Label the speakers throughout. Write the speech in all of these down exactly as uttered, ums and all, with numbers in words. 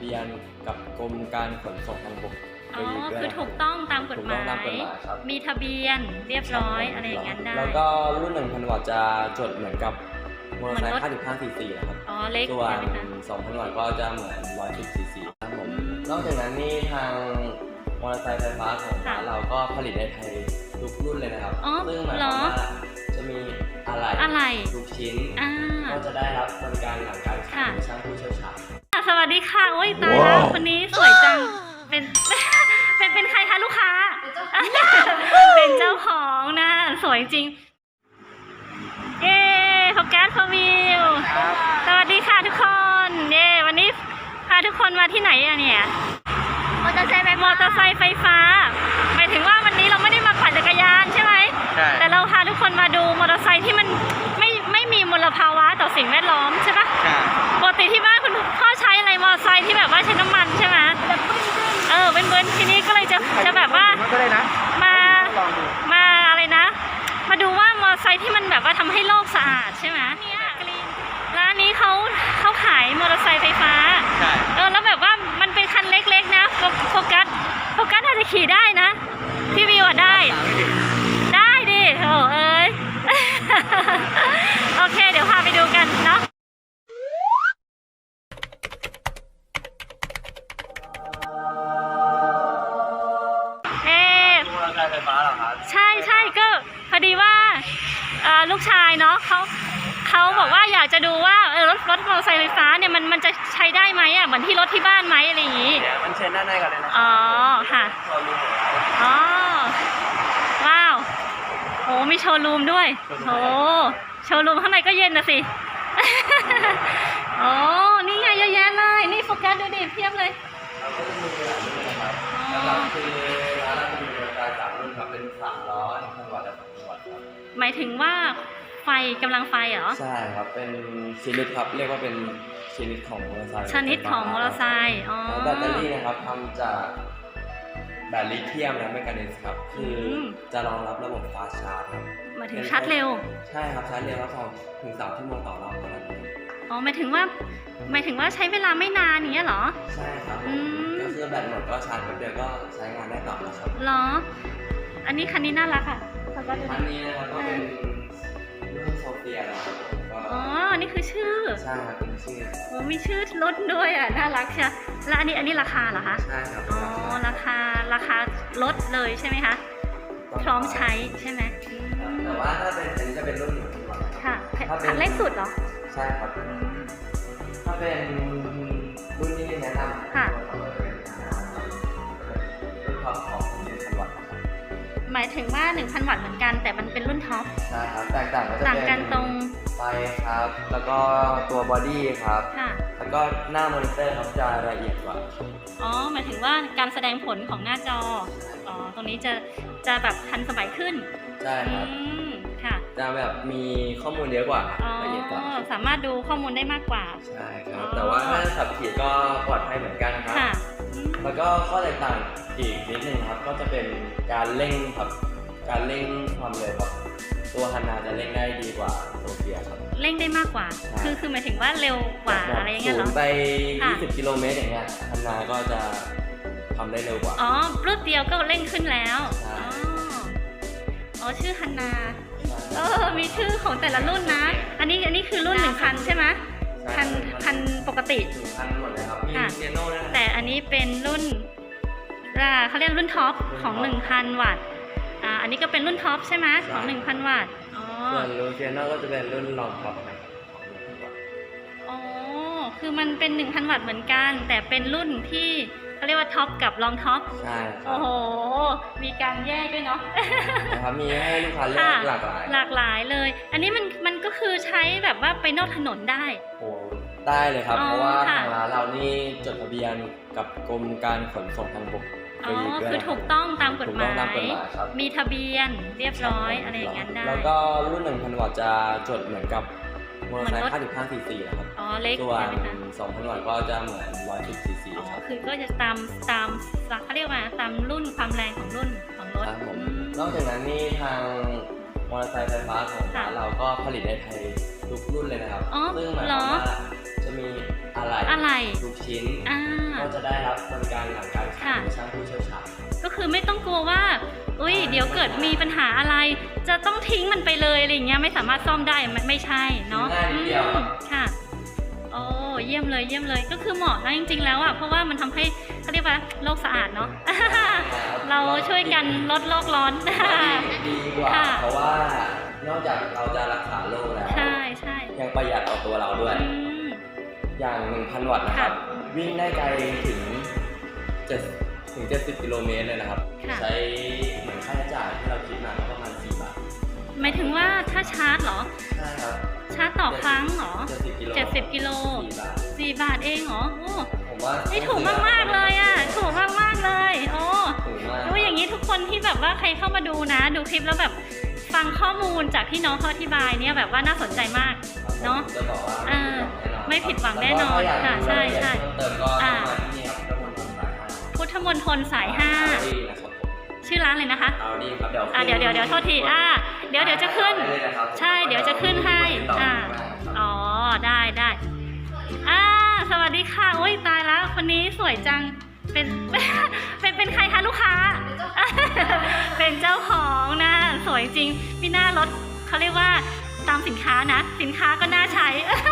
Speaker 1: บียนกับกรมการขนส่งทางบก
Speaker 2: อ๋อคือถูกต้องตามกฎหมายมีทะเบียนเรียบร้อยอะไรอย่างนั้นได้
Speaker 1: แล้วก็รุ่นหนึ่งพันวัตต์จะจดเหมือนกับมอเตอร์ไซค์ห้าสิบห้าซีซีนะครับ
Speaker 2: อ๋อเล็ก
Speaker 1: ส่วนสองพันวัตต์ก็จะเหมือนร้อยสิบซีซีครับผมนอกจากนั้นนี่ทางมอเตอร์ไซค์ไฟฟ้าของเราก็ผลิตในไทยทุกรุ่นเลยนะครับซึ่งหมายความว่าจะมีอะไรทุกชิ้นก็จะได้รับบริการหลังการขายช่างผู้เชี่ยวชาญ
Speaker 2: สวัสดีค่ะโอ้ยตายแล้วคนนี้สวยจังเป็นเป็นเป็นใครคะลูกค้าเป็นเจ้าของนะสวยจริงเย้โฟกัสพวิวสวัสดีค่ะทุกคนเย้วันนี้พาทุกคนมาที่ไหนอะเนี่ยมอเตอร์ไซค์มอเตอร์ไซค์ไฟฟ้าหมายถึงว่าวันนี้เราไม่ได้มาปั่นจักรยานใช่ไหมใช่แต่เราพาทุกคนมาดูมอเตอร์ไซค์ที่มันไม่ไม่มีมลภาวะต่อสิ่งแวดล้อมใช่ปะใช่ปกติที่บ้านคุณพ่อใช้อะไรมอเตอร์ไซค์ที่แบบว่าใช้น้ำมันใช่ไหมเออเป็นเบิ้ลทีนี้ก็เลยจะจะแบบว่ามามาอะไรนะมาดูว่ามอเตอร์ไซค์ที่มันแบบว่าทำให้โลกสะอาดใช่ไหมเนี่ยร้านนี้เขาเขาขายมอเตอร์ไซค์ไฟฟ้าเออแล้วแบบว่ามันเป็นคันเล็กๆนะโฟกัสโฟกัสอาจจะขี่ได้นะพี่วิวอ่ะได้ได้ดิโอ้เอ้ยโอเคเดี๋ยวพาไปดูกันเนาะ
Speaker 1: ไฟฟ้าเหรอครับ
Speaker 2: ใช่ใช่ก็พอดีว่าลูกชายเนาะเขาเขาบอกว่าอยากจะดูว่าเออรถรถมอเตอร์ไซค์ไฟฟ้าเนี่ยมันมันจะใช้ได้ไหมอ่ะเหมือนที่รถที่บ้านไหมอะไรอย่างงี้
Speaker 1: เดี๋ยวมันเชิญด้านในกันเลยนะ
Speaker 2: อ๋อค่ะอ๋อว้าวโอ้มีโชว์รูมด้วยโอ้โชว์รูมข้างในก็เย็นนะสิโอ้นี่ไงเยอะแยะเลยนี่โฟกัสดูดิเพียบเลย
Speaker 1: คือร้านเรามีบริการสามรุ่นครับเป็นสามล้อหนึ่งพันวัตต์และสองพันวัตต์ครับ
Speaker 2: หมายถึงว่าไฟกำลังไฟเหรอ
Speaker 1: ใช่ครับเป็นชนิดครับเรียกว่าเป็นชนิดของมอเตอร์ไซค์
Speaker 2: ชนิดของมอเตอร์ไซค์อ๋อ
Speaker 1: แบตเตอรี่นะครับทำจากแบตลิเธียมและแมงกานีสครับคือจะรองรับระบบฟาสต์ชาร์จครับ
Speaker 2: หมายถึงชาร์จเร็ว
Speaker 1: ใช่ครับชาร์จเร็วแล้วสองถึงสามชั่วโมงต่อรอบเท่านั้น
Speaker 2: อ๋อหมายถึงว่าหมายถึงว่าใช้เวลาไม่นานอย่างเงี้ยเหรอ
Speaker 1: ใช่ครับก็คือแบตหมดก็ชาร์จแป๊บเดียวก็ใช้งานได้ต่อแล้วครับ
Speaker 2: เหรออันนี้คันนี้น่ารักค่ะ
Speaker 1: คันนี้นะครับก็เป็นรุ่นโซเฟียนะครับ
Speaker 2: อ๋อนี่คือชื่อ
Speaker 1: ใช่ครับเป็นชื่อ
Speaker 2: โอ้มีชื่อรถด้วยอ่ะน่ารักใช่แล้วอันนี้อันนี้ราคาเหรอคะ
Speaker 1: ใช่ครับ
Speaker 2: อ๋อราคาราคาลดเลยใช่ไหมคะพร้อมใช้ใช่ไหม
Speaker 1: แต่ว่าถ้าเป็นอันนี้จะเป็นรุ่นหนึ่งพันวัตต์
Speaker 2: ค่ะคันเล็กสุดเหรอ
Speaker 1: ใช่ครับถ้าเป็นรุ่นที่แนะนำ
Speaker 2: ค่ะ
Speaker 1: รุ่นท็อปของหนึ่งพันวัตต์
Speaker 2: หมายถึงว่า หนึ่งพัน วัตต์เหมือนกันแต่มันเป็นรุ่นท็อป
Speaker 1: ใช่ครับแตกต่างก็จะเป็น
Speaker 2: ต่างกันตรง
Speaker 1: ไฟครับแล้วก็ตัวบอดี้ครับแล้วก็หน้ามอนิเตอร์ครับจะละเอียดกว่า
Speaker 2: อ๋อหมายถึงว่าการแสดงผลของหน้าจออ๋อตรงนี้จะจะแบบทันสมัยขึ้น
Speaker 1: ใช่ครับ
Speaker 2: ค่ะ
Speaker 1: จะแบบมีข้อมูลเยอะกว่าละเอียดกว่า
Speaker 2: สามารถดูข้อมูลได้มากกว่า
Speaker 1: ใช่ครับแต่ว่าถ้าขับขี่ก็ปลอดภัยเหมือนกันนะครับแล้วก็ข้อแตกต่างอีกนิดนึงครับก็จะเป็นการเร่งครับการเร่งความเร็วครับตัวฮันนาจะเร่งได้ดีกว่าโซเฟียครับ
Speaker 2: เร่งได้มากกว่าคือคือหมายถึงว่าเร็วกว่าอะไรอย่างเงี้ยเหรอ
Speaker 1: ศูนย์ไปยี่สิบกิโลเมตรอย่างเงี้ยฮันนาก็จะทำได้เร็วกว่า
Speaker 2: อ๋อรูปเดียวก็เร่งขึ้นแล้วอ๋ออ๋อชื่อฮันนาเออมีชื่อของแต่ละรุ่นนะอันนี้อันนี้คือรุ่นหนึ่งพันใช่ไหมพันพันปกติ
Speaker 1: พันหมดเลยครับมีเซโน่ด้วย
Speaker 2: แต่อันนี้เป็นรุ่นเขาเรียกรุ่นท็อปของ หนึ่งพัน วัตต์อ่าอันนี้ก็เป็นรุ่นท็อปใช่ไหมของ หนึ่งพัน วัตต์อ๋อ
Speaker 1: ส่วนลูเซียโน่ก็จะเป็นรุ่นรองท็อปของ
Speaker 2: อ๋อคือมันเป็น หนึ่งพัน วัตต์เหมือนกันแต่เป็นรุ่นที่เขาเรียกว่าท็อปกับรองท็อป
Speaker 1: ใช่
Speaker 2: โอ้โหมีการแยกด้วยเนาะ
Speaker 1: นะครับมีให้ลูกค้าเลือกหลากหลาย
Speaker 2: หลากหลายเลยอันนี้มันมันก็คือใช้แบบว่าไปนอกถนนได้
Speaker 1: โอ้ได้เลยครับเพราะว่าทางร้านเรานี่จดทะเบียนกับกรมการขนส่งทางบก
Speaker 2: อ๋อคือถูกต้องตามกฎหมายมีทะเบียนเรียบร้อยอะไรอย่างนั้นได้
Speaker 1: แล้วก็รุ่นหนึ่งพันวัตต์จะจดเหมือนกับมอเตอร์ไซค์ห้าสิบห้าซีซีนะครับ
Speaker 2: อ๋อเล็ก
Speaker 1: ส่วนสองพันวัตต์ก็จะเหมือนร้อยสิบซีซี
Speaker 2: ครับคือก็จะตามตามเขาเรียกว่าตามรุ่นความแรงของรุ่นของรถ
Speaker 1: ครับผมนอกจากนั้นนี่ทางมอเตอร์ไซค์ไฟฟ้าของเราก็ผลิตในไทยทุกรุ่นเลยนะครับซึ่งหมายความว่าจะมีออะไร
Speaker 2: อะไร
Speaker 1: ทุกชิ้น
Speaker 2: อ่า
Speaker 1: ก็จะได้รับบริการหลังการขายโดยช่างผู้เชี่ยวชาญ
Speaker 2: ก็คือไม่ต้องกลัวว่าอุ้ยเดี๋ยวเกิดมีปัญหาอะไร จะต้องทิ้งมันไปเลยอะไรอย่างเงี้ยไม่สามารถซ่อมได้มันไม่ใช่เนาะ
Speaker 1: ง่ายนิดเดียว
Speaker 2: อืมค่ะโอ้เยี่ยมเลยเยี่ยมเลยก็คือเหมาะนะจริงๆแล้วอ่ะเพราะว่ามันทำให้เขาเรียกว่าโลกสะอาดเนาะ เราช่วยกันลดโลกร้อน
Speaker 1: ดีกว่า
Speaker 2: ค่ะ
Speaker 1: เพราะว่านอกจากเราจะรักษาโรคแล้ว
Speaker 2: ใช่ใช่
Speaker 1: ยังประหยัดต่อตัวเราด้วย
Speaker 2: อืม
Speaker 1: อย่าง หนึ่งพัน วัตต์นะครับ
Speaker 2: ค่ะ
Speaker 1: วิ่งได้ไกลถึงเจ็ดถึงเจ็ดสิบกิโลเมตรเลยนะครับ
Speaker 2: ค่ะ
Speaker 1: ใช้เหมือนค่าใช้จ่ายที่เราคิดมาก็ประมาณสี่บาท
Speaker 2: หมายถึงว่าถ้าชาร์จเหรอ
Speaker 1: ใช่ครับ
Speaker 2: ชาร์จต่อครั้งเหรอ
Speaker 1: เจ็ดสิบกิโล
Speaker 2: เจ็ดสิบกิโล
Speaker 1: สี่บาท
Speaker 2: สี่บาทเองเหรอโอ้
Speaker 1: ผมว่า
Speaker 2: นี่ถูกมากๆเลยอ่ะถูกมากๆเลยโอ้
Speaker 1: ถูกมาก
Speaker 2: ดูอย่างนี้ทุกคนที่แบบว่าใครเข้ามาดูนะ ดูคลิปแล้วแบบฟังข้อมูลจากที่น้องเขาอธิบายเนี่ยแบบว่าน่าสนใจมาก เนอะ
Speaker 1: จะบอกว่า
Speaker 2: อ่าไม่ผิดหวังแน่นอนค่ะใช่ใช่
Speaker 1: เติมก็ต้องมาที่นี่ครับพุทธมณฑลสายห้า
Speaker 2: พุทธมณฑลสายห้า
Speaker 1: ดีนะครับผม
Speaker 2: ชื่อร้านเลยนะคะ
Speaker 1: เอาดีครับเดี๋ยว
Speaker 2: อ่าเดี๋ยวเดี๋ยวเดี๋ยวโทษทีอ่าเดี๋ยวเดี๋ยวจะขึ้น ใช่เดี๋ยวจะขึ้นให้อ่าอ๋อได้ได้อ่าสวัสดีค่ะโอ้ยตายแล้วคนนี้สวยจังเป็น เป็นเป็นใครคะลูกค้า เป็นเจ้าของนะสวยจริงมีหน้ารถเขาเรียกว่าตามสินค้านะ สินค้าก็น่าใช้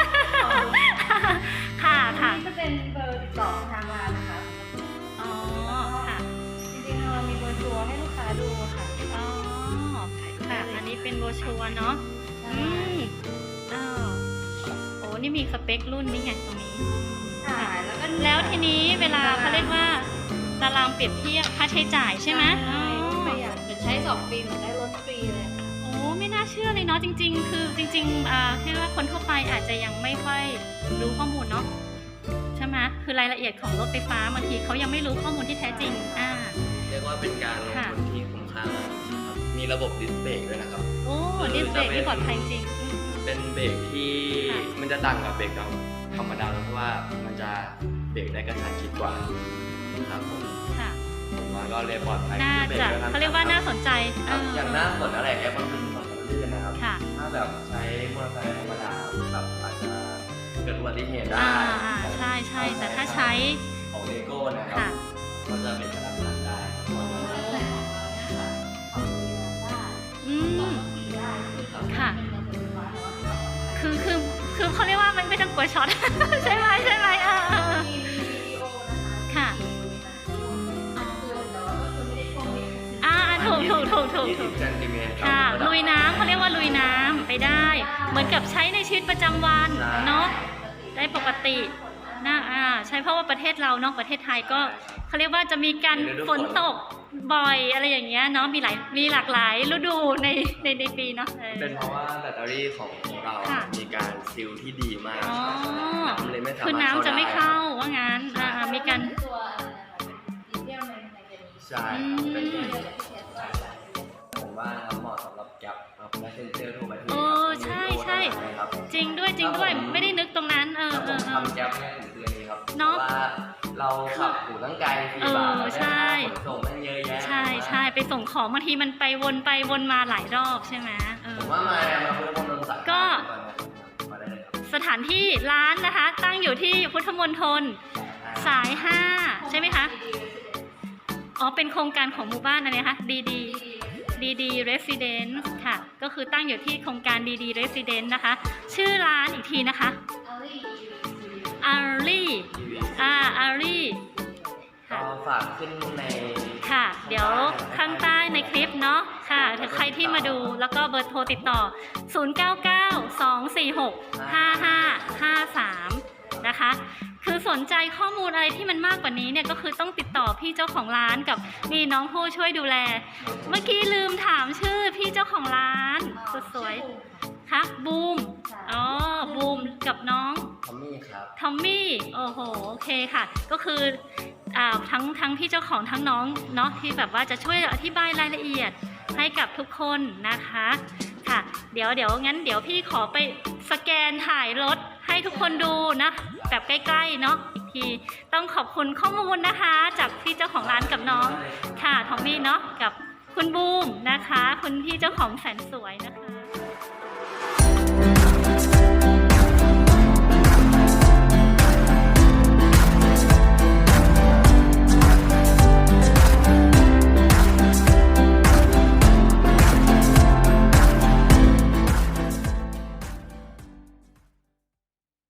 Speaker 2: ค่ะค่ะ
Speaker 3: นี่จะเป็นเบอร์ติดต่อทางร้านนะคะ
Speaker 2: อ๋อค่ะ
Speaker 3: จริงๆเรามีเบอร์ชัวร์ให้ลูกค้าดูค่ะ
Speaker 2: อ๋อค่ะอันนี้เป็นโบรชัวร์เนาะอืมอ้าวโอ้นี่มีสเปครุ่นนี้ไงตรงนี้
Speaker 3: ค่ะ แล้วก็
Speaker 2: แล้วทีนี้เวลาเขาเรียกว่าตารางเปรียบเทียบค่าใช้จ่ายใช่ไหมอ๋อ
Speaker 3: ประหยัดเหมือนใช้สองปีเหมือนได้รถฟรีเลยค่ะ
Speaker 2: โอ้ไม่น่าเชื่อเลยเนาะจริง ๆ คือจริงๆอ่าแค่ว่าคนทั่วไปอาจจะยังไม่ค่อยรู้ข้อมูลเนาะใช่ไหมคือรายละเอียดของรถไฟฟ้าบางทีเขายังไม่รู้ข้อมูลที่แท้จริงอ่า
Speaker 1: เรียกว่าเป็นการลง
Speaker 2: ค่ะ
Speaker 1: ทุนที่คุ้มค่ามากจริงๆครับมีระบบดิสเบรกด้วยนะครับ
Speaker 2: โอ้ดิสเบรกที่ปลอดภัยจริงอืม
Speaker 1: เป็นเบรกที่
Speaker 2: ค่ะ
Speaker 1: มันจะต่างกับเบรกธรรมดาเพราะว่ามันจะเบรกได้กระชั้นชิดกว่าครับผม
Speaker 2: ค่ะ
Speaker 1: ผมว่าก็เลยปลอดภัย
Speaker 2: น่า
Speaker 1: บ
Speaker 2: จะ
Speaker 1: บก
Speaker 2: เขาเรียกว่าน่าสนใจ
Speaker 1: ค
Speaker 2: เอ
Speaker 1: รับ
Speaker 2: อ
Speaker 1: อย่างหน้าฝนอะไรแอปมันเป็นถนนลื่นนะครับ
Speaker 2: ค่ะ
Speaker 1: ถ้าแบบใช้มอเตอร์ไซค์ธรรมดาแบบอาจจะเกิดอุบัติเหตุได้
Speaker 2: อ่าอ่าใช่ใช่แต่ถ้าใช้
Speaker 1: ของเลโก้นะครั
Speaker 2: ค่ะ
Speaker 1: บก็จะเป็นกระดานหลังได้
Speaker 3: แต่ของเราเนี่ยค่ะของฟรีได้
Speaker 2: อืม
Speaker 3: ฟรีได้คือ
Speaker 2: ค่ะ
Speaker 3: เป็นเงินไฟฟ้าแต่ว่าไม่ต้องออก
Speaker 2: คือคือคือเขาเรียกว่ามันไม่ต้องกลัวช็อต ใช่ไหมใช่ไหมเออเออเออ
Speaker 3: มีมีวิดีโอนะคะ
Speaker 2: ค่ะ
Speaker 3: คือแต่ว่าก็คือไม่ได้ท่วมมิด
Speaker 2: อ่าถูกถูกถูกถูก
Speaker 1: ยี่
Speaker 2: ถู
Speaker 1: สิ
Speaker 2: ก
Speaker 1: บเซนติเมตร
Speaker 2: ค่ะลุยน้ำเขาเรียกว่าลุยน้ำไปได้ เหมือนกับใช้ในชีวิตประจำวันเนาะได้ปกตินะอ่าใช่เพราะว่าประเทศเราเนาะประเทศไทยก็เขาเรียกว่าจะมีการฝนตกบ่อยอะไรอย่างเงี้ยเนาะมีหลายมีหลากหลายฤดูในในในปีเนาะเออ
Speaker 1: เป็นเพราะว่าแบตเตอรี่ของเรา
Speaker 2: ค่ะ
Speaker 1: มีการซีลที่ดีมาก
Speaker 2: อ๋อ
Speaker 1: น้ำเลยไม่สามารถ
Speaker 2: คือน้ำจะไม่เข้าว่างั้นอ่ามีการ
Speaker 3: ตัวอะไรนะคะเป็นลิเธียมในในเกมนี้
Speaker 1: ใช่
Speaker 2: อืม
Speaker 1: เป็น
Speaker 3: เรียกว่าที่เทสได้
Speaker 1: ผมว่านะครับเหมาะสำหรับแก๊ปครับและเซนเซอร์ทั่วประเทศ
Speaker 2: เออใช่ใช่
Speaker 1: ครับ
Speaker 2: จริงด้วยจริงด้วยไม่ได้นึกตรงนั้นเออ
Speaker 1: ถ้า
Speaker 2: เอ
Speaker 1: ผม
Speaker 2: อเออ
Speaker 1: ทำแก๊ปเนี่ยผมคืออันนี้ครับ
Speaker 2: เนอะ
Speaker 1: พราะว่าเราขับอยู่ตั้งไกลสี่บาท
Speaker 2: เออใช่
Speaker 1: แล้วขนส่งมันเยอะแยะ
Speaker 2: ใช่ใช่ไปส่งของบางทีมันไปวนไปวนมาหลายรอบใช่ไหมเออ
Speaker 1: ผมว่ามามาเพื่อคนนนท์สาย
Speaker 2: ก็
Speaker 1: มาได้เลยครับ
Speaker 2: สถานที่ร้านนะคะ ตั้งอยู่ที่พุทธมณฑลสายห้าใช่ไหมคะ อ๋อ เป็นโครงการของหมู่บ้านอะไรนะคะดีดีดีดี Residence ค่ะ ก็คือตั้งอยู่ที่โครงการดีดี Residence นะคะ ชื่อร้านอีกทีนะคะ
Speaker 3: อารี
Speaker 2: อารีอ่าอารี
Speaker 1: ก็
Speaker 2: ค่ะ
Speaker 1: ฝากขึ้นใน
Speaker 2: ค่ะ เดี๋ยวข้างใต้ในคลิปเนาะค่ะถ้าใครที่มาดูแล้วก็เบอร์โทรติดต่อ ศูนย์ เก้า เก้า สอง สี่ หก ห้า ห้า ห้า สาม นะคะ คือสนใจข้อมูลอะไรที่มันมากกว่านี้เนี่ยก็คือต้องติดต่อพี่เจ้าของร้านกับมีน้องผู้ช่วยดูแล เมื่อกี้ลืมถามชื่อพี่เจ้าของร้านสุดสวยค่ะบูม อ๋อ บูมกับน้อง
Speaker 1: ทอมมี่ครับ
Speaker 2: ทอมมี่ โอ้โห โอเคค่ะ ก็คืออ่าทั้งทั้งพี่เจ้าของทั้งน้องเนาะที่แบบว่าจะช่วยอธิบายรายละเอียดให้กับทุกคนนะคะ ค่ะ เดี๋ยวเดี๋ยวงั้นเดี๋ยวพี่ขอไปสแกนถ่ายรถให้ทุกคนดูนะแบบใกล้ๆเนาะอีกทีต้องขอบคุณข้อมูลนะคะ จากพี่เจ้าของร้านกับน้องค่ะทอมมี่เนาะกับคุณบูมนะคะ คุณพี่เจ้าของแสนสวยนะคะ